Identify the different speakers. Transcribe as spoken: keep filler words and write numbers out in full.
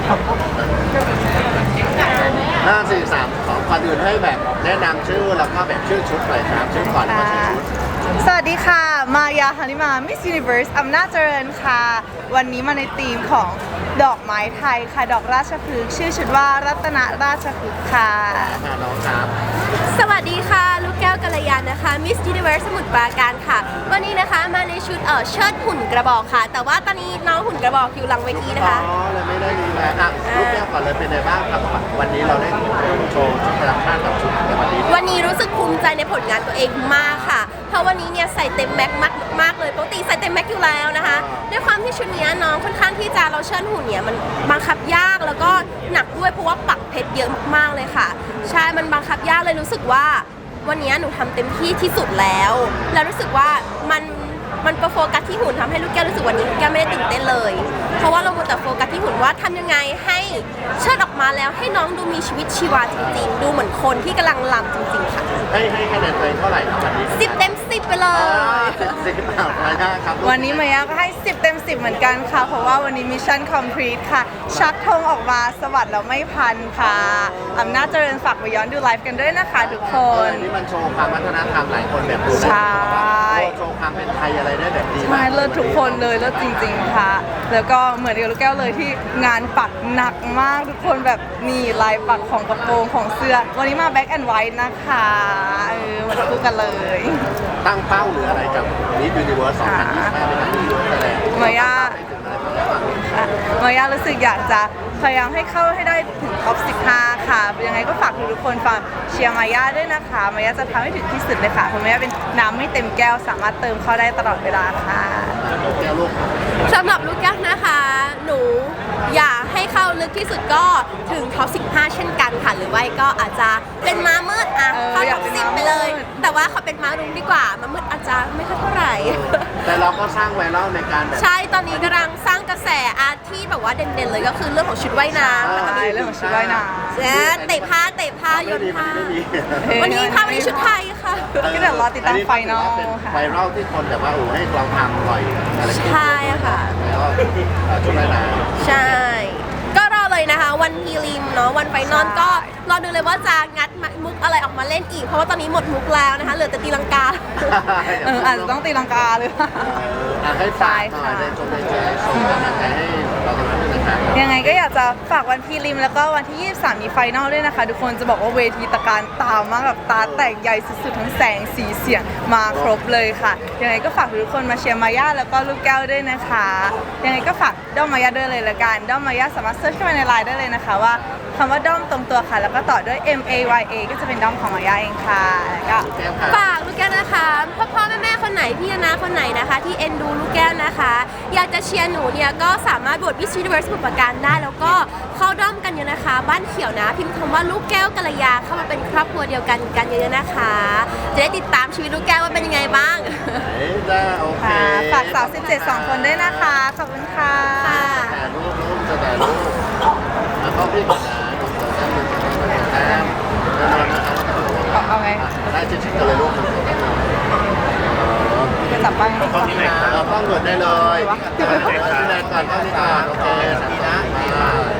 Speaker 1: ห้าสี่สามสองก่อนอื่นให้แบบแนะนำชื่อแล้วก็แบบชื่อชุดหน่อยครับชื่อก่อนแล้วก็ชื่อชุด
Speaker 2: สวัสดีค่ะ มายาฮานิมา Miss Universe อำนาจเจริญค่ะ วันนี้มาในธีมของดอกไม้ไทยค่ะ ดอกราชพฤกษ์ชื่อชุดว่ารัตนราชพฤกษ์ค่ะ
Speaker 1: ค่ะน้องครับ
Speaker 3: สวัสดีค่ะ ลูกแก้วกัลยาณนะคะ Miss Universe สมุทรปราการค่ะ วันนี้นะคะมาในชุดเอ่อเชิดหุ่นกระบอกค่ะ แต่ว่าตอนนี้น้องหุ่นกระบอกอยู่หลังเวทีนะคะ
Speaker 1: อ๋อเลยไม่ได้ดีแล้วครับลูกแก้วก่อนเลยเป็นไงบ้างครับวันนี้เราได้โชว์ชุดประจำชาติกับชุดในวันนี้
Speaker 3: วันนี้รู้สึกภูมิใจในผลงานตัวเองมากค่ะ เพราะวันนี้เนี่ยใส่เต็มแม็กมากมากเลยปกติใส่เต็มแม็กอยู่แล้วนะคะ ด้วยความที่ชุดนี้น้องค่อนข้างที่จะเราเชิญหุ่นเนี่ยมันบังคับยากแล้วก็หนักด้วยเพราะว่าปักเพชรเยอะมากๆเลยค่ะ ใช่ มันบังคับยากเลยรู้สึกว่าวันนี้หนูทำเต็มที่ที่สุดแล้ว แล้วรู้สึกว่ามันมันไปโฟกัสที่หุ่นทำให้ลูกแก้วรู้สึกวันนี้ลูกแก้วไม่ได้ตื่นเต้นเลย เพราะว่าเราหมดแต่โฟกัสที่หุ่นว่าทำยังไงให้เชิดออกมาแล้วให้น้องดูมีชีวิตชีวาจริงๆ ดูเหมือนคนที่กำลังลำจริงๆค่ะ
Speaker 1: ให้ให้คะแนนตัวเองเท่าไหร่ครับวันนี้
Speaker 3: สิบเต็มสิบไปเล
Speaker 1: อ๋อย สิบสิบเอาไปนะครับ
Speaker 2: วันนี้มายาก็ให้สิบเต็มสิบเหมือนกันค่ะ เพราะว่าวันนี้มิชชั่นคอมพลีทค่ะ ชักธงออกมาสวัสดแล้วไม่พันค่ะ อำนาจเจริญฝากไปย้อนดูไลฟ์กันด้วยนะคะทุกค
Speaker 1: เออน นี่มันโชว์ความวัฒนธรรมหลายคนแบบดู
Speaker 2: ใช่
Speaker 1: โชว์ความเป็นไทยอะไรได้แบบดี
Speaker 2: ใช่
Speaker 1: มาก
Speaker 2: เลิศทุกคนเลยเลิศจริงๆค่ะ แล้วก็เหมือนกับลูกแก้วเลยที่งานปักหนักมากทุกคนแบบนี่ลายปักของกระโปรงของเสื้อ วันนี้มาแบ็ k แอนด์ไวท์นะคะเออมาคู่กันเลย
Speaker 1: ตั้งเป้าหรืออะไรกับมิสยูนิเวิร์สสองพันยี่สิบห้าเป็นอะไรที่แสดง
Speaker 2: มายา ค่ะมายารู้สึกอยากจะพยายามให้เข้าให้ได้ถึงท็อปสิบห้าค่ะยังไงก็ฝากทุกคนฟังเชียร์มายาด้วยนะคะมายาจะทำให้ถึงที่สุดเลยค่ะเพราะมายาเป็นน้ำไม่เต็มแก้วสามารถเติมเข้าได้ตลอดเวลาค่ะ
Speaker 1: แก้วลูก
Speaker 3: สำหรับลูกแก้วนะคะ หนูอยากให้เข้าลึกที่สุดก็ถึงท็อปสิบห้าเช่นกันค่ะ หรือว่าก็อาจจะเป็นม้ามืดอ่ะ
Speaker 2: เออ
Speaker 3: เข้า
Speaker 2: อยา
Speaker 3: ท็
Speaker 2: ก
Speaker 3: อป
Speaker 2: เป็น
Speaker 3: สิบ
Speaker 2: ม้ามืด
Speaker 3: ไปเลย แต่ว่าเขาเป็นม้ารุ้งดีกว่าม้ามืดอาจจะไม่ค่อยเท่าไหร่
Speaker 1: แต่เราก็สร้างไวรัลในการแบบ
Speaker 3: ใช่ ตอนนี้กำลังสร้างกระแสอาร์ตที่แบบว่าเด่นๆเลยก็คือเรื่องของชุดว่ายน้ำนะคะ
Speaker 2: ใช่เรื่องของชุดว่ายน้ำ
Speaker 3: เจ๊เตะผ้าเตะผ้าโย
Speaker 1: ไม่
Speaker 3: น
Speaker 1: มีมัน
Speaker 3: ผ้า
Speaker 1: ไม่มี
Speaker 3: วันนี้พาวันนี้ชุดไทยค่ะ
Speaker 2: ก็เดี๋ยวรอติดตามไฟนอล
Speaker 1: เป็น
Speaker 2: ค่ะ
Speaker 1: ไวรัลที่คนแบบว่าโอ้ให้เราทำบ่อยอะไรอย่างเงี้ย
Speaker 3: ใช่ค่ะ
Speaker 1: แล้วก็ชุดว่ายน้
Speaker 3: ใช่ ก็รอเลยนะคะ วันพีริมเนาะวันไฟนอลก็รอดูเลยว่าจะงัดมุกอะไรออกมาเล่นอีก เพราะว่าตอนนี้หมดมุกแล้วนะคะ เหลือแต่ตีลังกา
Speaker 1: ำ
Speaker 2: เอออาจจะต้องตีลังกาเลย
Speaker 1: อ่ะให้ฝากหน่อยในชมในใจส่งกำลังใจให้เราทั้งคู่นะครับ
Speaker 2: ยังไงก็อยากจะฝากวันพีริมแล้วก็วันที่ยี่สิบสามมีไฟนอลด้วยนะคะ ทุกคนจะบอกว่าเวทีตะการตามากแบบตาแตกใหญ่สุดๆทั้งแสงสีเสียงมาครบเลยค่ะ ยังไงก็ฝากทุกคนมาเชียร์มายาแล้วก็ลูกแก้วด้วยนะคะ ยังไงก็ฝากด้อมมายาด้วยเลยละกันด้อมมายาสามารถเซิร์ชเข้ามาในไลน์ได้เลยนะคะว่าคำว่าด้อมตรงตัวค่ะ แล้วก็ต่อด้วย M A Y A ก็จะเป็นด้อมของมายาเองค่ะแล้วก็
Speaker 1: แก้วค่ะ
Speaker 3: ฝากลูกแก้วนะคะพ่อพ่อแม่แม่คนไหนพี่นาคนไหนนะคะ ที่เอ็นดูลูกแก้วนะคะ อยากจะเชียร์หนูเนี่ยก็สามารถโหวตมิสยูนิเวิร์สสมุทรปราการได้ แล้วก็เข้าด้อมกันเยอะนะคะ บ้านเขียวนะ พิมพ์คำว่าลูกแก้วกัลยาเข้ามาเป็นครอบครัวเดียวกันกันเยอะๆนะคะ จะได้ติดตามชีวิตลูกแก้วว่าเป็นยังไงบ้าง
Speaker 1: เอ้ยได้โอเค
Speaker 2: ค่ะฝากสาวสิบเจ็ดสองคนด้วยนะคะ ขอบคุณค่ะ
Speaker 3: ค่ะ
Speaker 1: แต่รูปรูปจะแต่รูปแล้วก็พี่ก่อนนะแต้มแน่นอนนะครับ
Speaker 2: เอาเอาไง
Speaker 1: ได้ชิดๆกันเลยลูก
Speaker 2: จะจับบ้าง
Speaker 1: ต้องที่ไหนเราต้องเกิดได้เลยที่ไหนก่อนต้องที่ก่อนโอเคสักทีนะ